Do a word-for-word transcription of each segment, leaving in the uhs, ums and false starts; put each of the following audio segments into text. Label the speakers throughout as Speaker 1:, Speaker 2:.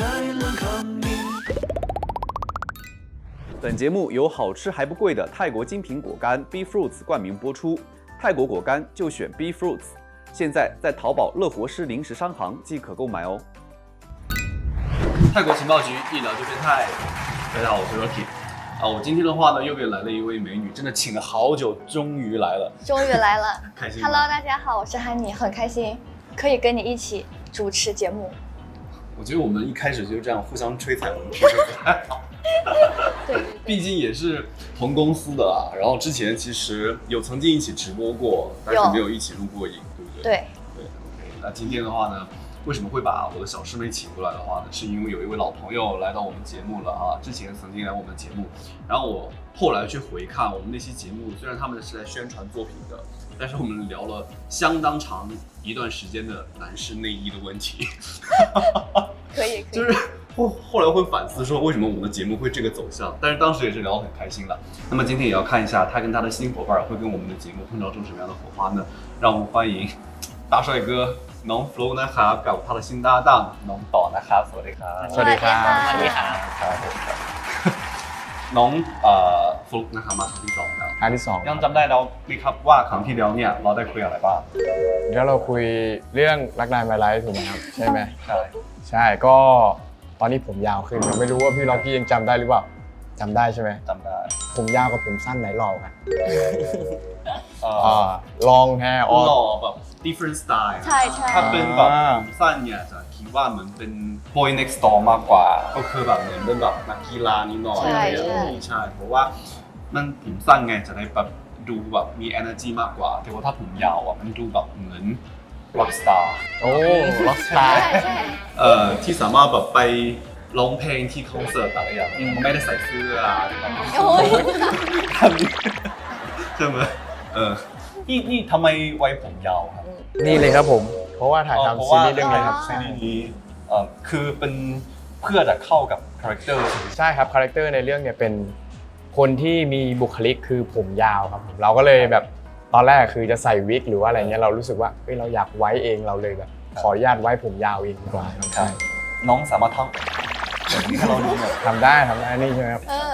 Speaker 1: 本节目由好吃还不贵的泰国精品果干 B Fruits 冠名播出。泰国果干就选 B Fruits， 现在在淘宝乐活师零食商行即可购买哦。泰国情报局一聊就变态，大家好，我是 Rocky。啊，我今天的话呢，又给来了一位美女，真的请了好久，终于来了，
Speaker 2: 终于来了，
Speaker 1: 开心。
Speaker 2: Hello， 大家好，我是汉妮，很开心可以跟你一起主持节目。
Speaker 1: 我觉得我们一开始就这样互相吹彩虹屁就不太好。
Speaker 2: 对，
Speaker 1: 毕竟也是同公司的啊。然后之前其实有曾经一起直播过，但是没有一起录过影，对不对？
Speaker 2: 对
Speaker 1: 对 ，OK。那今天的话呢，为什么会把我的小师妹请过来的话呢？是因为有一位老朋友来到我们节目了啊，之前曾经来我们的节目，然后我后来去回看我们那期节目，虽然他们是在宣传作品的，但是我们聊了相当长一段时间的男士内衣的问题。
Speaker 2: 可以，可以，
Speaker 1: 就是后后来会反思说，为什么我们的节目会这个走向？但是当时也是聊得很开心了。那么今天也要看一下他跟他的新伙伴会跟我们的节目碰撞出什么样的火花呢？让我们欢迎大帅哥น้องฟลุ๊กนะครับกับ他的新搭档น้องต่อนะครับสวัสดีครับ
Speaker 2: สวัสดีครับ
Speaker 3: สวัสดีครับ
Speaker 1: ครับผมครับน้องเอ่อฟลุ๊กนะครับมาครั้งที่สองแล้ว
Speaker 3: ครั้งที่สอง
Speaker 1: ยังจำได้แล้วไหมครับว่าครั้งที่แล้วเนี่ยเราได้คุยอะไรบ้าง
Speaker 3: เดี๋ยวเราคุยเรื่องรักนายมาไลฟ์ถูกไหมครับใช่ไหม
Speaker 1: ใช่
Speaker 3: ใช่ก็ตอนนี้ผมยาวขึ้นไม่รู้ว่าพี่ล็อกกี้ยังจำได้หรือเปล่าจำได้ใช่ไหม
Speaker 1: จำได้
Speaker 3: ผมยาวกับผมสั้นไหนหล่อกัน
Speaker 1: เอ่อ
Speaker 3: อ่าลองแฮร์ออ
Speaker 1: หล่อแบบ different style
Speaker 2: ใช่ใช่
Speaker 1: ถ้าเป็นแบบผมสั้นเนี่ยจะคิดว่าเหมือนเป็น boy next door มากกว่าก็คือแบบเหมือนเป็นแบบนักกีฬานิดหน่อย
Speaker 2: ใช่ใช่
Speaker 1: ใช่เพราะว่ามันผมสั้นไงจะได้แบบดูแบบมี energy มากกว่าแต่ว่าถ้าผมยาวอ่ะมันดูแบบเหมือน rock star
Speaker 3: โอ้ล็อกสไต
Speaker 2: ใช่
Speaker 3: ล์
Speaker 2: ใช่
Speaker 1: เอ่อที่สามารถแบบไปร้องเพลงที่คอนเสิร์ตอะไรอย่างเงี้ยไม่ได้ใส่เสื้อ
Speaker 2: โอ้ย
Speaker 1: ทำนี้ใช่ไหมเออนี่นี่ทำไมไว้ผมยาวครับ
Speaker 3: นี่เลยครับผมเพราะว่าถ่ายทำซีรีส์เรื่องนี้ครับ
Speaker 1: ซีรีส์นี้เอ่อคือเป็นเพื่อจะเข้ากับคาแรคเตอร์
Speaker 3: ใช่ครับคาแรคเตอร์ในเรื่องเนี่ยเป็นคนที่มีบุคลิกคือผมยาวครับผมเราก็เลยแบบตอนแรกคือจะใส่วิกหรือว่าอะไรเงี้ยเรารู้สึกว่าเฮ้ยเราอยากไว้เองเราเลยแบบขออนุญาตไว้ผมยาวเองดีกว่าใช่
Speaker 1: น้องสามารถทำแบบนี้ให้เราดูหน่อย
Speaker 3: ทำได้ทำได้นี่ใช่ไหมครับ
Speaker 2: เออ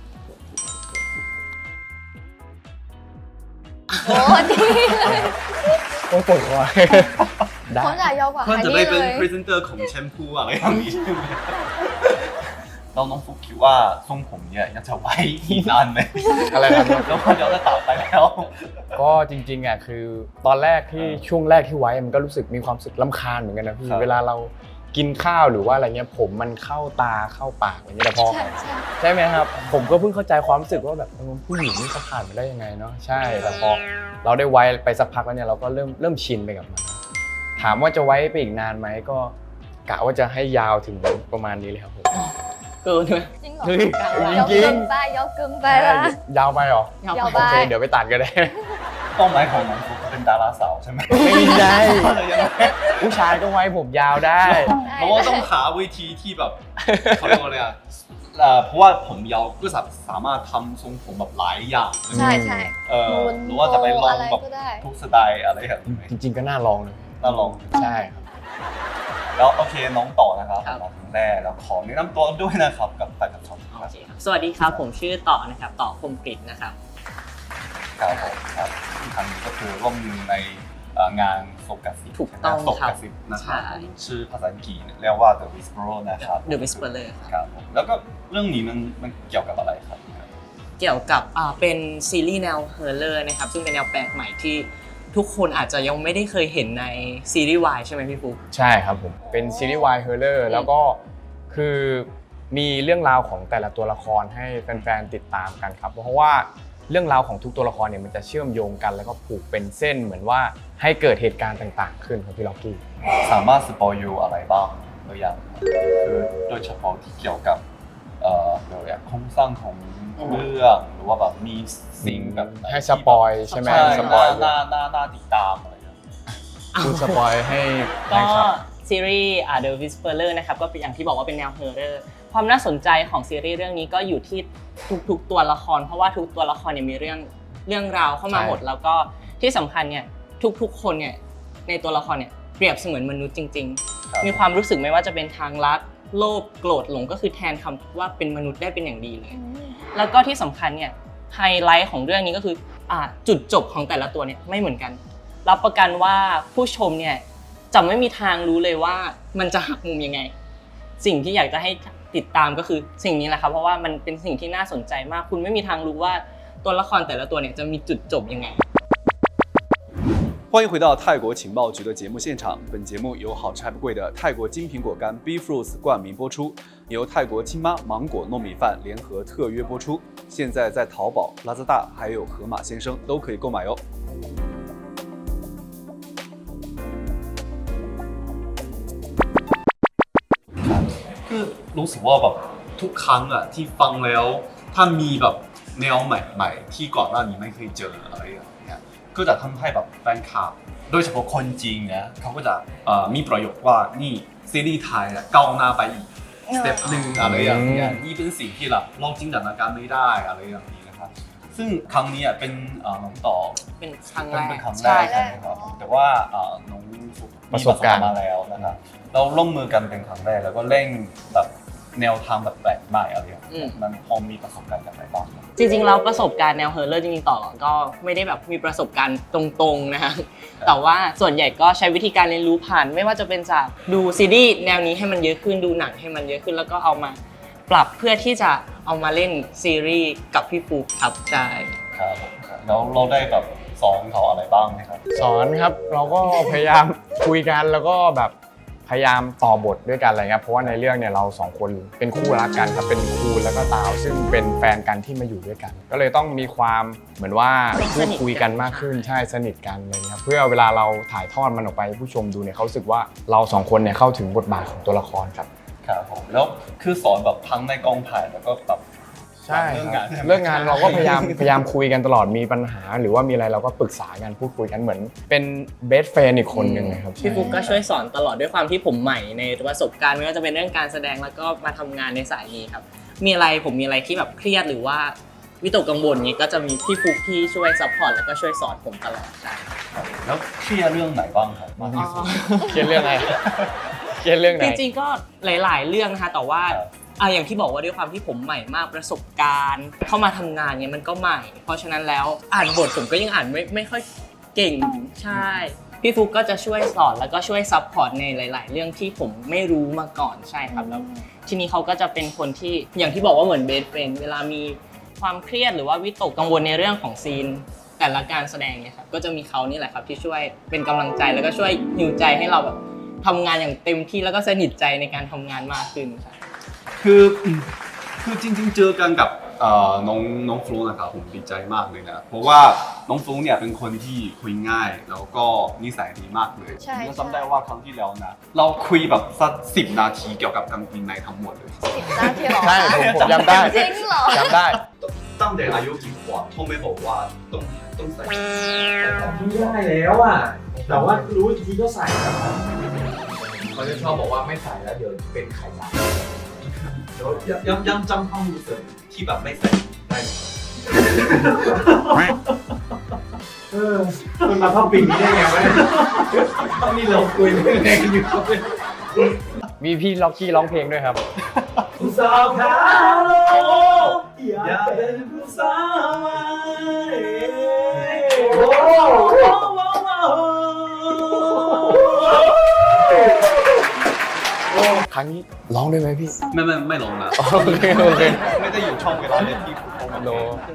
Speaker 2: โอ้ดีเลย
Speaker 3: โอ้ยปวดหัวได้
Speaker 2: ผมอยากยาวกว่า
Speaker 1: เพื่อ
Speaker 2: ฮัน
Speaker 1: จะ
Speaker 2: นี่
Speaker 1: ได้เป็น
Speaker 2: เลย
Speaker 1: พรีเซนเตอร์ของแชมพูอะไรอย่างนี้ใช่ไหมเราน้องฟุกคิดว่าทรงผมเนี่ยยังจะไว้อีกนานไหม
Speaker 3: อะไรครับ
Speaker 1: แล้วพอเดี๋ยวจะตัดไปแล้ว
Speaker 3: ก็จริงๆอ่ะคือตอนแรกที่ช่วงแรกที่ไว้มันก็รู้สึกมีความรู้สึกรำคาญเหมือนกันนะพี่
Speaker 1: ครับ
Speaker 3: เวลาเรากินข้าวหรือว่าอะไรเงี้ยผมมันเข้าตาเข้าปากอะไรเงี้ยแต่พอ
Speaker 2: ใช่ใช่
Speaker 3: ใช่ไหมครับผมก็เพิ่งเข้าใจความรู้สึกว่าแบบเออผู้หญิงนี่เขาผ่านมาได้ยังไงเนาะใช่แต่พอเราได้ไว้ไปสักพักแล้วเนี่ยเราก็เริ่มเริ่มชินไปกับมันถามว่าจะไว้ไปอีกนานไหมก็กะว่าจะให้ยาวถึงประมาณนี้เลยครับผม
Speaker 4: เกินไหม
Speaker 2: จริงเหรอ
Speaker 3: เฮ้ย
Speaker 2: ยาว
Speaker 3: จริ
Speaker 2: เกิ
Speaker 3: ง
Speaker 2: นไปยาวเกินไปละ
Speaker 3: ยาวไปเหรอย
Speaker 2: าวไป
Speaker 3: โอเคเดี๋ยวไปตัดกันได้
Speaker 1: เป้าหมายของน้องฟุกเป็นดาราสาวใช่ไหม
Speaker 3: ไม่ใช่
Speaker 1: อะไรยังไง
Speaker 3: ผู้ชายก็ไว้ผมยาวได้
Speaker 1: เพราะว่าต้องหาวิธีที่แบบเขาเรียกว่าอะไรอ่ะเอ่อเพราะว่าผมยาวก็สามารถทำทรงผมแบบหลายอย่าง
Speaker 2: ใช่ใช่
Speaker 1: เออ
Speaker 2: หมุน
Speaker 1: หรือว่าจะไปลอง
Speaker 2: อะไร
Speaker 1: แบบ
Speaker 2: ก็ได้
Speaker 1: ทุกสไตล์อะไรอย่างนี้ไหม
Speaker 3: จริงๆก็น่าลองเลย
Speaker 1: น่าลอง
Speaker 3: ใช่ครับ
Speaker 1: แล้วโอเคน้องต่อนะครับ
Speaker 4: ครับ
Speaker 1: มาถึงแรกแล้วขอแนะนำตัวด้วยนะครับกับแฟนคลับชมครับ
Speaker 4: โอเคครับสวัสดีครับผมชื่อต่อนะครับต่อคมกริตนะครับ
Speaker 1: ครับผมครับที่ครั้งนี้ก็คือร่วมมือในเอ่องานโฟกัส
Speaker 4: ถูกต้อง
Speaker 1: โฟ
Speaker 4: ครับ
Speaker 1: กัสนะครับ
Speaker 4: ใช่
Speaker 1: ชื่อภาษาอังกฤษเรียกว่า The Whisperer นะครับ
Speaker 4: The Whisperer ครับ
Speaker 1: ครับผมแล้วก็เรื่องนี้มันมันเกี่ยวกับอะไรครับ
Speaker 4: เกี่ยวกับอ่าเป็นซีรีส์แนวเฮอร์เรอร์นะครับซึ่งเป็นแนวแปลกใหม่ที่ทุกคนอาจจะยังไม่ได้เคยเห็นในซีรีส์วายใช่ไหมพี่ฟุ๊ก
Speaker 3: ใช่ครับผมเป็นซีรีส์วายเฮอร์เรอร์แล้วก็คือมีเรื่องราวของแต่ละตัวละครให้แฟนๆติดตามกันครับเพราะว่าเรื่องราวของทุกตัวละครเนี่ยมันจะเชื่อมโยงกันแล้วก็ผูกเป็นเส้นเหมือนว่าให้เกิดเหตุการณ์ต่างๆ ขึ้นครับพี่ล็อกกี้
Speaker 1: สามารถสปอยยูอะไรบ้างหรือยังคือโดยเฉพาะที่เกี่ยวกับเอ่อเรียกว่าอะไรโครงสร้างของเรื่องหรือว่าแบบมีสิ่งแบบไหน
Speaker 3: ให้สปอยใช่ไหม
Speaker 1: ใช่
Speaker 3: สปอย
Speaker 1: น่าน่าน่าติดตามอะไรอย่างเงี้ย
Speaker 3: คุณสปอยให้
Speaker 4: ก็
Speaker 3: ให้ครับ
Speaker 4: ซีรีส์ The Whisperer นะครับก็เป็นอย่างที่บอกว่าเป็นแนวเฮอร์เรอร์ความน่าสนใจของซีรีส์เรื่องนี้ก็อยู่ที่ทุกๆตัวละคร เพราะว่าทุกตัวละครเนี่ยมีเรื่องเรื่องราวเข้ามาหมด แล้วก็ที่สำคัญเนี่ยทุกๆคนเนี่ยในตัวละครเนี่ยเปรียบเสมือนมนุษย์จริง ๆ มีความรู้สึกไม่ว่าจะเป็นทางรักโลภโกรธหลงก็คือแทนคำว่าเป็นมนุษย์ได้เป็นอย่างดีเลย
Speaker 2: อืม
Speaker 4: แล้วก็ที่สำคัญเนี่ยไฮไลท์ของเรื่องนี้ก็คืออ่าจุดจบของแต่ละตัวเนี่ยไม่เหมือนกันรับประกันว่าผู้ชมเนี่ยจะไม่มีทางรู้เลยว่ามันจะหักมุมยังไงสิ่งที่อยากจะให้ติดตามก็คือสิ่งนี้แหละครับเพราะว่ามันเป็นสิ่งที่น่าสนใจมากคุณไม่มีทางรู้ว่าตัวละครแต่ละตัวเนี่ยจะมีจุดจบยังไง
Speaker 1: 欢迎回到泰国情报局的节目现场。本节目由好吃还不贵的泰国金苹果干 B Fruits 冠名播出，由泰国亲妈芒果糯米饭联合特约播出。现在在淘宝、拉扎大还有盒马鲜生都可以购买哟。คือรู้สึกว่าแบบทุกครั้งอะที่ฟังแล้วถ้ามีแบบแนวใหม่ๆที่ก่อนหน้านี้ไม่เคยเจออะไรอย่างเงี้ยก็จะทำให้แบบแฟนคลับโดยเฉพาะคนจีนนะเขาก็จะมีประโยคว่านี่ซีรีส์ไทยก้าวหน้าไปอีกสเต็ปหนึ่งอะไรอย่างเงี้ยนี่เป็นสิ่งที่เราเราจินตนาการไม่ได้อะไรอย่างนี้นะครับซึ่งครั้งนี้เป็นน้องต่อ
Speaker 4: เป็นครั้งแรก
Speaker 1: เป็นครั้งแรกใช่ไหมครับแต่ว่าน้องมีประสบการณ์มาแล้วนะครับเราร่วมมือกันเป็นครั้งแรกแล้วก็เร่งแบบแนวทางแบบแปลกใหม่อะไรอย่างเงี้ยมันพอมีประสบการณ์กันไหนบ้าง
Speaker 4: จริงๆแล้วประสบการณ์แนวเฮอร์เรอร์จริงๆต่อก็ไม่ได้แบบมีประสบการณ์ตรงๆนะฮะแต่ว่าส่วนใหญ่ก็ใช้วิธีการเรียนรู้ผ่านไม่ว่าจะเป็นจากดูซีรีส์แนวนี้ให้มันเยอะขึ้นดูหนังให้มันเยอะขึ้นแล้วก็เอามาปรับเพื่อที่จะเอามาเล่นซีรีส์กับพี่ฟูครับใช่
Speaker 1: ครับแล้วเราได้แบบสอนเขาอะไรบ้างไหมครับ
Speaker 3: สอนครับเราก็พยายามคุยกันแล้วก็แบบพยายามต่อบทด้วยกันอะไรเงี้ยเพราะว่าในเรื่องเนี่ยเราสองคนเป็นคู่รักกันครับเป็นคูณแล้วก็ตาวซึ่งเป็นแฟนกันที่มาอยู่ด้วยกันก็เลยต้องมีความเหมือนว่าพูดคุยกันมากขึ้นใช่สนิทกันอะไรเงี้ยเพื่อเวลาเราถ่ายทอดมันออกไปผู้ชมดูเนี่ยเขารู้สึกว่าเราสองคนเนี่ยเข้าถึงบทบาทของตัวละครครับ
Speaker 1: ครับผมแล้วคือสอนแบบทั้งในกองถ่ายแล้วก็แบบ
Speaker 3: ใช่เรื่องงานเรื่องงานเราก็พยายามพยายามคุยกันตลอดมีปัญหาหรือว่ามีอะไรเราก็ปรึกษากันพูดคุยกันเหมือนเป็นเบสเฟรนด์อีกคนหนึ่งนะครับ
Speaker 4: พี่ฟุ๊กก็ช่วยสอนตลอดด้วยความที่ผมใหม่ในประสบการณ์ไม่ว่าจะเป็นเรื่องการแสดงแล้วก็มาทำงานในสายนี้ครับมีอะไรผมมีอะไรที่แบบเครียดหรือว่าวิตกกังวลนี้ก็จะมีพี่ฟุ๊กที่ช่วยซัพพอร์ตแล้วก็ช่วยสอนผมตลอดใช่
Speaker 1: แล้วเครียดเรื่องไหนบ้างครับ
Speaker 3: เครียดเรื่องอะไรเครียดเรื่องไหน
Speaker 4: จริงๆก็หลายๆเรื่องนะคะแต่ว่าอ่ะอย่างที่บอกว่าด้วยความที่ผมใหม่มากประสบการณ์เข้ามาทำงานเนี่ยมันก็ใหม่เพราะฉะนั้นแล้วอ่านบทผมก็ยังอ่านไม่ไม่ค่อยเก่งใช่พี่ฟุ๊กก็จะช่วยสอนแล้วก็ช่วยซัพพอร์ตในหลายๆเรื่องที่ผมไม่รู้มาก่อนใช่ครับแล้วทีนี้เขาก็จะเป็นคนที่อย่างที่บอกว่าเหมือนเบสเฟรนด์เวลามีความเครียดหรือว่าวิตกกังวลในเรื่องของซีนแต่ละการแสดงเนี่ยครับก็จะมีเขานี่แหละครับที่ช่วยเป็นกำลังใจแล้วก็ช่วยฮิวใจให้เราแบบทำงานอย่างเต็มที่แล้วก็สนิทใจในการทำงานมากขึ้นใช่
Speaker 1: คือคือจริงๆเจอกันกับน้องน้องฟลุ๊กนะครับผมดีใจมากเลยนะเพราะว่าน้องฟลุ๊กเนี่ยเป็นคนที่คุยง่ายแล้วก็นิสัยดีมากเลยผมจำได้ว่าครั้งที่แล้วนะเราคุยแบบสักสิบนาทีเกี่ยวกับกางเกงในทั้งหมดเลย
Speaker 2: สิบนาทีหรอ
Speaker 3: ใช่ผมจำได้
Speaker 2: จริงเหรอ
Speaker 3: จำได้
Speaker 1: ตั้งแต่อายุกี่ขวบโทรไม่บอกว่าต้องต้องใส่
Speaker 5: ไม่ได้แล้วอ่ะแต่ว่ารู้อีกทีก็ใส่แล้วเขาจะชอบบอกว่าไม่ใส่แล้วเดี๋ยวเป็นไข่ดาว
Speaker 1: เดี๋ยวยังยังจำความรู้สึกที่แบบไม่ใส่ได้
Speaker 5: เออมันมาเข้าปีนี้ได้ไงวะนี่เราคุยเรื่องแรงอยู่
Speaker 3: มีพี่ล็อกกี้ร้องเพลงด้วยครับ
Speaker 5: ผู้สาวขาโลอยากเป็นผู้สาวโอ้
Speaker 3: ครั้งนี้ร้องได้ไหมพี่
Speaker 1: ไม่ไม่ไม่ร้องนะ
Speaker 3: โอเคโอเค
Speaker 1: ไม่ได้อยู่ช่องเวลาเล่นที่ผม
Speaker 3: โล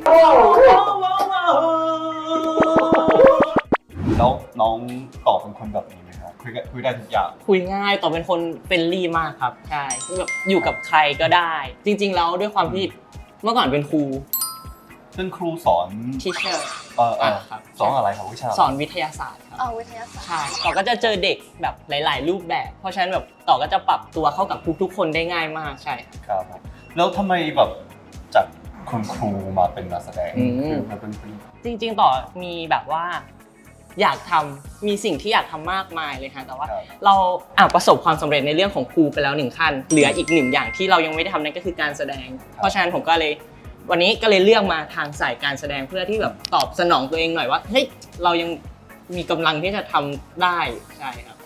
Speaker 1: แล้วน้องตอบเป็นคนแบบนี้ไหมครับคุยคุยได้ทุกอย่าง
Speaker 4: คุยง่ายตอบเป็นคนเฟรนลี่มากครับใช่แบบอยู่กับใครก็ได้จริงๆแล้วด้วยความที่เมื่อก่อนเป็นครู
Speaker 1: เป็นครูสอน
Speaker 4: ทีเชอร์
Speaker 1: เออครับสอนอะไรครับวิชา
Speaker 4: สอนวิทยาศาสตร์ครับ
Speaker 2: อ๋อวิทยาศาสตร์
Speaker 4: ใช่ต่อก็จะเจอเด็กแบบหลายๆรูปแบบเพราะฉะนั้นแบบต่อก็จะปรับตัวเข้ากับทุกๆคนได้ง่ายมากใช่
Speaker 1: ครับแล้วทำไมแบบจากคุณครูมาเป็นนักแสดงคือมันเป็น
Speaker 4: จริงๆต่อมีแบบว่าอยากทำมีสิ่งที่อยากทำมากมายเลยค่ะแต่ว่าเราอ่ะประสบความสำเร็จในเรื่องของครูไปแล้วหนึ่งขั้นเหลืออีกหนึ่งอย่างที่เรายังไม่ได้ทำนั่นก็คือการแสดงเพราะฉะนั้นผมก็เลยวันนี้ก็เลยเลือกมาทางสายการแสดงเพื่อที่แบบตอบสนองตัวเองหน่อยว่าเฮ้ยเรายังมีกำลังที่จะทำได้ใช่ครับ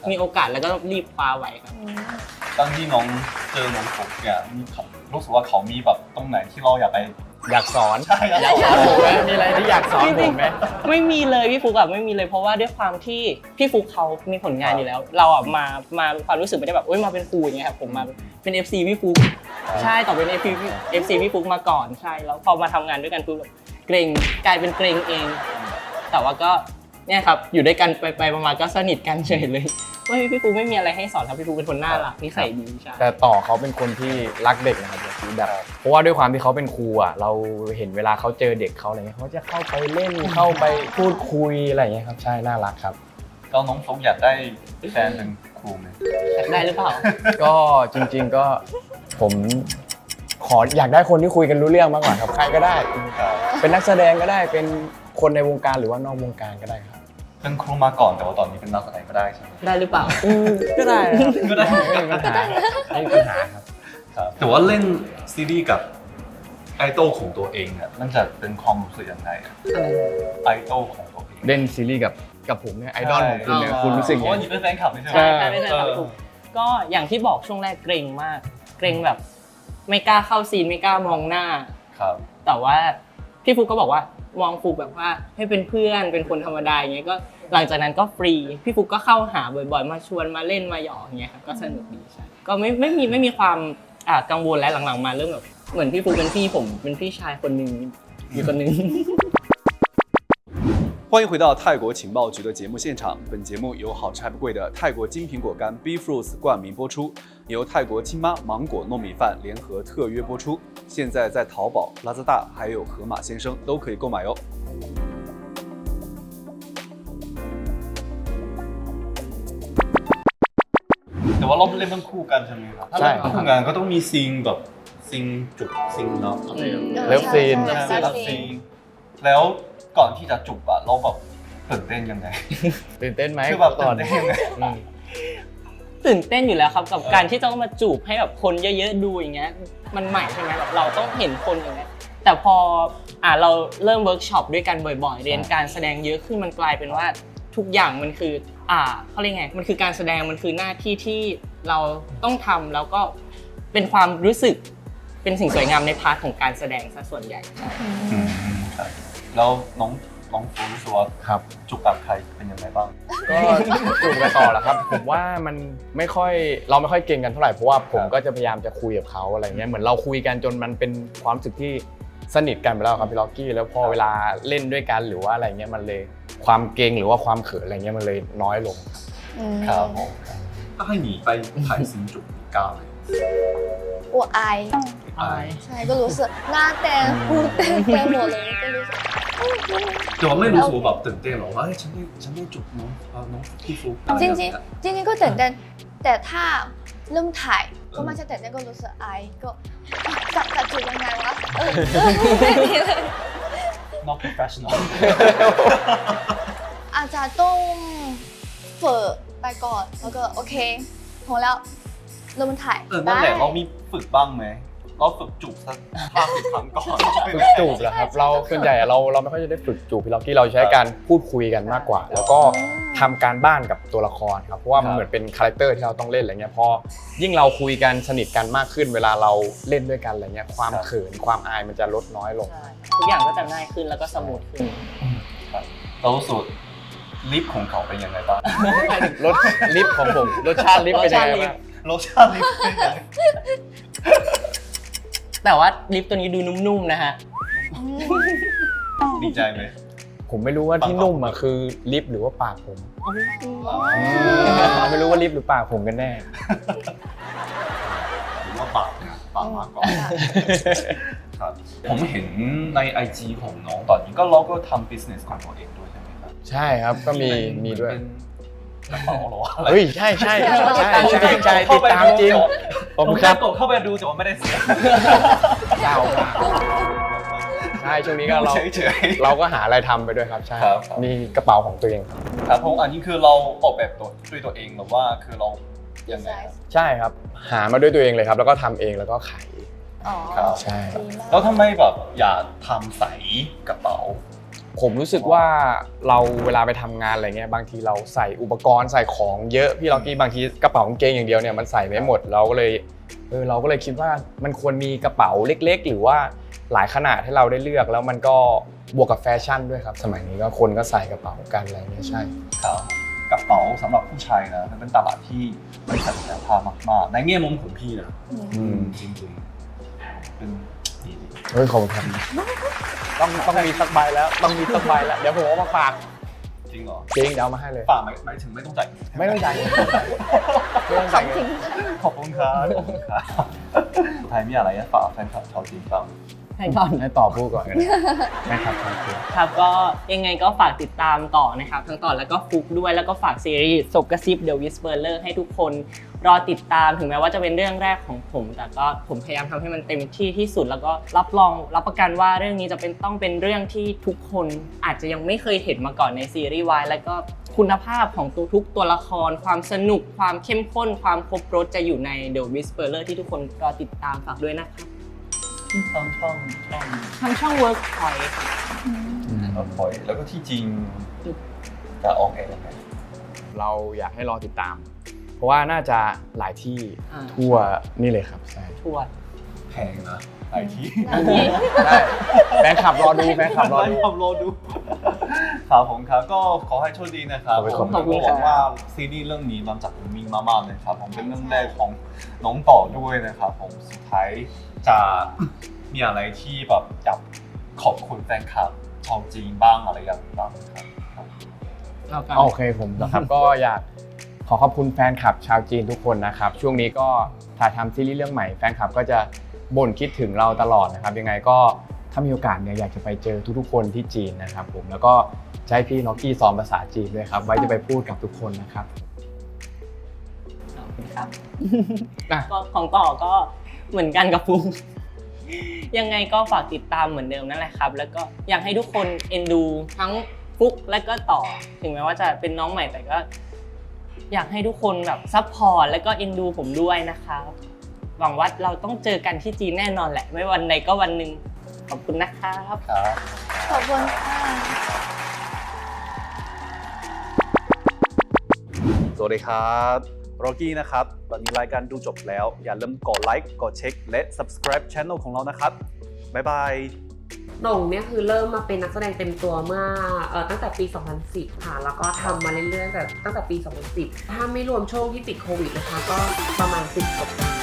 Speaker 4: มีโอกาสแล้วก็รีบคว้าไว้ครับ
Speaker 2: อืม
Speaker 1: ตอนที่น้องเจอน้องฟุกเนี่ยมีเขารู้สึกว่าเขามีแบบตรงไหนที่เราอยากไป
Speaker 3: อยากสอน
Speaker 1: ใช่อยาก
Speaker 3: อยากสอนผมไหมมีอะไรที่อยากสอนผมไหม
Speaker 4: ไม่มีเลยพี่ฟุกอะไม่มีเลยเพราะว่าด้วยความที่พี่ฟุกเขามีผลงานอยู่แล้ว เราอะมามาความรู้สึกไม่ได้แบบโอ๊ยมาเป็นครูอย่างเงี้ยครับผมมาเป็น เอฟ ซี พี่ฟุกใช่ต่อเป็น เอฟ ซี พี่ฟุกมาก่อนใช่แล้วพอมาทำงานด้วยกันปุ๊บแบบเกรงกลายเป็นเกรงเอง แต่ว่าก็เนี่ยครับอยู่ด้วยกันไปไปๆมาๆก็สนิทกันเฉยเลยว่าพี่ฟุกไม่มีอะไรให้สอนครับพี่ฟุกเป็นคนน่ารักนิสัยดีใช่
Speaker 3: แต่ต่อเขาเป็นคนที่รักเด็กนะครับแบบเพราะว่าด้วยความที่เขาเป็นครูอ่ะเราเห็นเวลาเขาเจอเด็กเขาอะไรเงี้ยเขาจะเข้าไปเล่นเข้าไปพูดคุยอะไรอย่างเงี้ยครับใช่น่ารักครับ
Speaker 1: แล้วน้องฟุกอยากได้แฟนเป็นครูไหม
Speaker 4: อยากได้หรือเปล่า
Speaker 3: ก็จริงๆก็ผมขออยากได้คนที่คุยกันรู้เรื่องมากกว่าครับใครก็ได้
Speaker 1: ครับ
Speaker 3: เป็นนักแสดงก็ได้เป็นคนในวงการหรือว่านอกวงการก็ได้ครับ
Speaker 1: เป็นครูมาก่อนแต่ว่าตอนนี้เป็นนักแสดงก็ได้ใช่ไหม
Speaker 4: ได้หรือเปล่า
Speaker 3: ก็ได้
Speaker 1: ก็ได้
Speaker 3: ไม่มีปัญหาไม่มีปัญหาครับ
Speaker 1: ครับแต่ว่าเล่นซีรีส์กับไอดอลของตัวเองเนี่ยมันจะเป็นความรู้สึกยังไงอะไอดอลของตัวเอง
Speaker 3: เล่นซีรีส์กับกับผมเนี่ยไอดอลของคุณเนี่ย
Speaker 4: อ๋อ
Speaker 3: คุณรู้สึก
Speaker 1: เพ
Speaker 3: ไง
Speaker 1: ราะว่านี่เป็นแฟนคลับไม่ใช่ไหม
Speaker 3: ใช่
Speaker 4: ใช่ไม่ใช่ครับพี่ฟุกก็อย่างที่บอกช่วงแรกเกรงมาก เกรงแบบ ไม่กล้าเข้าซีนไม่กล้ามองหน้า
Speaker 1: ครับ
Speaker 4: แต่ว่าพี่ฟุกก็บอกว่ามองฟุกแบบว่าให้เป็นเพื่อนเป็นคนธรรมดาอย่างเงี้ยก็หลังจากนั้นก็ฟรีพี่ฟุกก็เข้าหาบ่อยๆ มาชวนมาเล่นมาหยอกอย่างเงี้ยครับก็สนุกดีใช่ก็ไม่ไม่มีไม่มีความอ่ากังวลและหลังๆมาเริ่มแบบเหมือนพี่ฟุกเป็นพี่ผมเป็นพี่ชายคนหนึ่งอยู่คนหนึ่ง
Speaker 1: 欢迎回到泰国情报局的节目现场。本节目由好吃还不贵的泰国金苹果干 B Fruits 冠名播出，由泰国亲妈芒果糯米饭联合特约播出。现在在淘宝、拉扎大还有盒马鲜生都可以购买哟。แต่ว่าเราเล่นเป็นคู่กันใช่ไหมครับถ้า
Speaker 3: ใช่
Speaker 1: เล่นเป็นคู่กันก็ต้องมีซีนแบบซีนจุกซีนเนาะอะไรอย่างเงี้ย
Speaker 3: เลิฟซีน
Speaker 2: ใช่
Speaker 1: ใช่
Speaker 2: ใช่
Speaker 1: เลิฟซีนแล้วก่อนที่จะจุบอะเราแบบตื่นเต้นยังไง
Speaker 3: ตื่นเต้นไหม
Speaker 1: คือแบบ
Speaker 3: ก่อน
Speaker 1: ตื่นเต้นยังไง
Speaker 3: อืม
Speaker 4: ตื่นเต้นอยู่แล้วครับกับ
Speaker 1: เออ
Speaker 4: การที่ต้องมาจูบให้แบบคนเยอะๆดูอย่างเงี้ยมันใหม่ใช่ไหมแบบเราต้องเห็นคนอย่างเงี้ยแต่พออ่าเราเริ่มเวิร์กช็อปด้วยกันบ่อยๆ เรียนการแสดงเยอะขึ้นมันกลายเป็นว่าทุกอย่างมันคืออ่าเขาเรียกไงมันคือการแสดงมันคือหน้าที่ที่เราต้องทำแล้วก็เป็นความรู้สึกเป็นสิ่งสวยงามในพาร์ทของการแสดงซะส่วนใหญ่
Speaker 1: อืมครับแล้วน้องน้องฟูรู้สึกว่า
Speaker 3: ครับ
Speaker 1: จุกกับใครเป็นยังไงบ้าง
Speaker 3: ก็จูบกันต่อแหละครับ ผมว่ามันไม่ค่อยเราไม่ค่อยเก่งกันเท่าไหร่เพราะว่าผมก็จะพยายามจะคุยกับเขาอะไรเงี้ยเหมือนเราคุยกันจนมันเป็นความรู้สึกที่สนิทกันไปแล้วครับพี่ล็อกกี้แล้วพอเวลาเล่นด้วยกันหรือว่าอะไรเงี้ยมันเลยความเก่งหรือว่าความเขินอะไรเงี้ยมันเลยน้อยลง
Speaker 2: อืม
Speaker 1: ครับผมถ้าให้หนีไปถ่ายซีนจุกมีกล้าไหม
Speaker 2: 我爱
Speaker 4: อาย
Speaker 2: ใช่ก็รู้สึกหน้าแดงหูแดงไปหมดเลยก็รู้สึก
Speaker 1: แต่ว่าไม่รู้สึกว่าแบบตื่นเต้นหรอว่าเฮ้ยฉันได้ฉันได้จุกน้องเอ่อน้องพี่ฟุก
Speaker 2: จริงจริงๆจริงๆก็ตื่นเต้นแต่ถ้าเริ่มถ่ายก็ไม่ใช่ตื่นเต้นก็รู้สึกอายก็จะจะจูบยังไงวะเออไม่มีเลย
Speaker 1: น้อง professional
Speaker 2: อาจจะต้องฝึกไปก่อนแล้วก็โอเคพอแล้วเริ่มถ่าย
Speaker 1: เออนั่นแหละเรามีฝึกบ้างไหมเราฝึกจุกสักห้าสิบครั้งก่อน
Speaker 3: ฝึกจูบเหรอครับเราส่วนใหญ่เราเราไม่ค่อยจะได้ฝึกจูบพี่ล็อกกี้เราใช้การพูดคุยกันมากกว่า แล้วก็ทำการบ้านกับตัวละครครับเพราะว่ามันเหมือนเป็นคาแรคเตอร์ที่เราต้องเล่นอะไรเงี้ยพอยิ่งเราคุยกันสนิทกันมากขึ้น เวลาเราเล่นด้วยกันอะไรเงี้ยความเขินความอายมันจะลดน้อยลง
Speaker 4: ใช่ทุกอย่างก็จะง่ายขึ้นแล้วก็สมูทขึ้น
Speaker 1: ครับเราสูตรลิฟต์ของเขาเป็นยังไงบ้าง
Speaker 3: รสลิปของผมรสชาติลิปเป็นยังไงบ้าง
Speaker 1: รสชาติลิฟต์เป็นยังไง
Speaker 4: แต่ว่าลิปตัวนี้ดูนุ่มๆนะฮะ
Speaker 1: ดีใจไหม
Speaker 3: ผมไม่รู้ว่าที่นุ่มอ่ะคือลิปหรือว่าปากผม
Speaker 1: อ๋อ
Speaker 3: ไม่รู้ว่าลิปหรือปากผมกันแน่
Speaker 1: หรือว่าปากเนี่ยปากมากกว่าครับผมเห็นใน ไอ จี ของน้องตอนนี้ก็เราก็ทำ business ของตัวเองด้วยใช่ไหมครับ
Speaker 3: ใช่ครับก็มีมีด้วย
Speaker 1: เป็นกระเป๋าเหรอวะอะไร
Speaker 3: เฮ้ยใช่ใช่ใช่ใช่ใช่ใช่ติดตามจริงขอบคุณครับ
Speaker 1: กดเข้าไปดูแต่ว่าไม่ได้เสีย
Speaker 3: เจ้ามากใช่ช่วงนี้ก็เรา
Speaker 1: เฉยๆ
Speaker 3: เราก็หาอะไรทำไปด้วยครับใช่
Speaker 1: ครับครับ
Speaker 3: มีกระเป๋าของตัวเองครับ
Speaker 1: ครับผมอันนี้คือเราออกแบบตัวด้วยตัวเองหรือว่าคือเรายังไงครับ
Speaker 3: ใช่ครับหามาด้วยตัวเองเลยครับ แล้วก็ทำเองแล้วก็ขาย
Speaker 2: อ๋อ
Speaker 1: ครับ
Speaker 3: ใช่
Speaker 2: ดีมาก
Speaker 1: แล้วทำไมแบบอยากทำใส่กระเป๋า
Speaker 3: ผมรู้สึกว่าเราเวลาไปทำงานอะไรเงี้ยบางทีเราใส่อุปกรณ์ใส่ของเยอะพี่ล็อกกี้บางทีกระเป๋ากางเกงอย่างเดียวเนี่ยมันใส่ไม่หมดเราก็เลยเออเราก็เลยคิดว่ามันควรมีกระเป๋าเล็กๆหรือว่าหลายขนาดให้เราได้เลือกแล้วมันก็บวกกับแฟชั่นด้วยครับสมัยนี้ก็คนก็ใส่กระเป๋ากันอะไรเงี้ยใช่
Speaker 1: ครับกระเป๋าสำหรับผู้ชายนะมันเป็นตลาดที่มีศักยภาพมากๆในแง่มุมของพี่นะ
Speaker 3: อืม
Speaker 1: จริงๆเป็นดีดี
Speaker 3: เฮ้ยขอบคุณครับต้องต้องมีสักใบแล้วต้องมีสักใบแล้วเดี๋ยวผมเอามาฝาก
Speaker 1: จริงเหรอ
Speaker 3: จริงเดี๋ยวเอามาให้เลย
Speaker 1: ฝากหมายหมายถึงไม่ต้องจ่าย
Speaker 3: ไม่ต้องจ่ายเงินไม่ต้องจ่ายเงิน
Speaker 1: ขอบคุณครับขอบคุณครับสุดท้ายมีอะไรจะฝากแฟนคลับชาวจีนบ้าง
Speaker 4: ให้ก่อน
Speaker 3: ให้ต่อพูดก่อนกันนะครับครับ
Speaker 4: ครับก็ยังไงก็ฝากติดตามต่อนะครับทั้งต่อแล้วก็ฟุกด้วยแล้วก็ฝากซีรีส์ศพกระซิบ The Whisperer ให้ทุกคนรอติดตามถึงแม้ว่าจะเป็นเรื่องแรกของผม แต่ก็ผมพยายามทำให้มันเต็มที่ที่สุดแล้วก็รับรองรับประกันว่าเรื่องนี้จะเป็นต้องเป็นเรื่องที่ทุกคนอาจจะยังไม่เคยเห็นมาก่อนในซีรีส์วายแล้วก็คุณภาพของตัวทุกตัวละครความสนุกความเข้มข้นความครบรสจะอยู่ใน The Whisperer ที่ทุกคนรอติดตามฝากด้วยนะครับ
Speaker 1: ช่องช่องช่อง
Speaker 4: ทางช่อง Workpoint ค่ะ
Speaker 1: แล้วปล่อยแล้วก็ที่จริงจะออกเองยังไง
Speaker 3: เราอยากให้รอติดตาม เพราะว่าน่าจะหลายที่
Speaker 4: อ่า
Speaker 3: ทั่วนี่เลยครับใช่
Speaker 4: ทวด
Speaker 1: แพงนะหลายที่
Speaker 3: ใช่แฟนคลับรอดูแฟนคลับรอดู
Speaker 1: ขับรอดูครับผมครับก็ขอให้โชคดีนะครับ
Speaker 3: ขอบคุณ
Speaker 1: ผมก็หวังว่าซีรีส์เรื่องนี้มันจะมีมากๆเลยครับผมเป็นเรื่องแรกของน้องต่อด้วยนะครับผมสุดท้ายจะมีอะไรที่แบบอยากขอบคุณแฟนคลับชาวจีนบ้างอะไรอย่างบ้างครับครับ
Speaker 4: เอากัน
Speaker 3: โอเคผมนะครับ ก็อยากขอขอบคุณแฟนคลับชาวจีนทุกคนนะครับช่วงนี้ก็ถ่ายทำซีรีส์เรื่องใหม่แฟนคลับก็จะบ่นคิดถึงเราตลอดนะครับยังไงก็ถ้ามีโอกาสเนี่ยอยากจะไปเจอทุกๆคนที่จีนนะครับผมแล้วก็ใช้พี่น็อกกี้สอนภาษาจีนด้วยครับไว้จะไปพูดกับทุกคนนะครับ
Speaker 4: ขอบคุณครับ
Speaker 3: อ่ะ
Speaker 4: ก็ของต่อก็เหมือนกันกับฟุก ยังไงก็ฝากติดตามเหมือนเดิมนั่นแหละครับ แล้วก็อยากให้ทุกคนเอ็นดูทั้งฟุกและก็ต่อ ถึงแม้ว่าจะเป็นน้องใหม่แต่ก็ อยากให้ทุกคนแบบซัพพอร์ตแล้วก็เอ็นดูผมด้วยนะครับหวังว่าเราต้องเจอกันที่จีนแน่นอนแหละ ไม่วันใดก็วันหนึ่งขอบคุณนะครับ
Speaker 1: ครับ
Speaker 2: ขอบคุณค่ะ
Speaker 1: สวัสดีครับโรกี้นะครับตอนนี้รายการดูจบแล้วอย่าลืมกดไลค์กดเช็คและ subscribe channel ของเรานะครับบ๊ายบาย
Speaker 6: หน่งเนี่ยคือเริ่มมาเป็นนักแสดงเต็มตัวเมื่อเอ่อตั้งแต่ปี สองพันสิบ ค่ะ แล้วก็ทำมาเรื่อยๆแต่ตั้งแต่ปี สองพันสิบ ถ้าไม่รวมช่วงที่ติดโควิดนะคะ ก็ประมาณสิบกว่าปี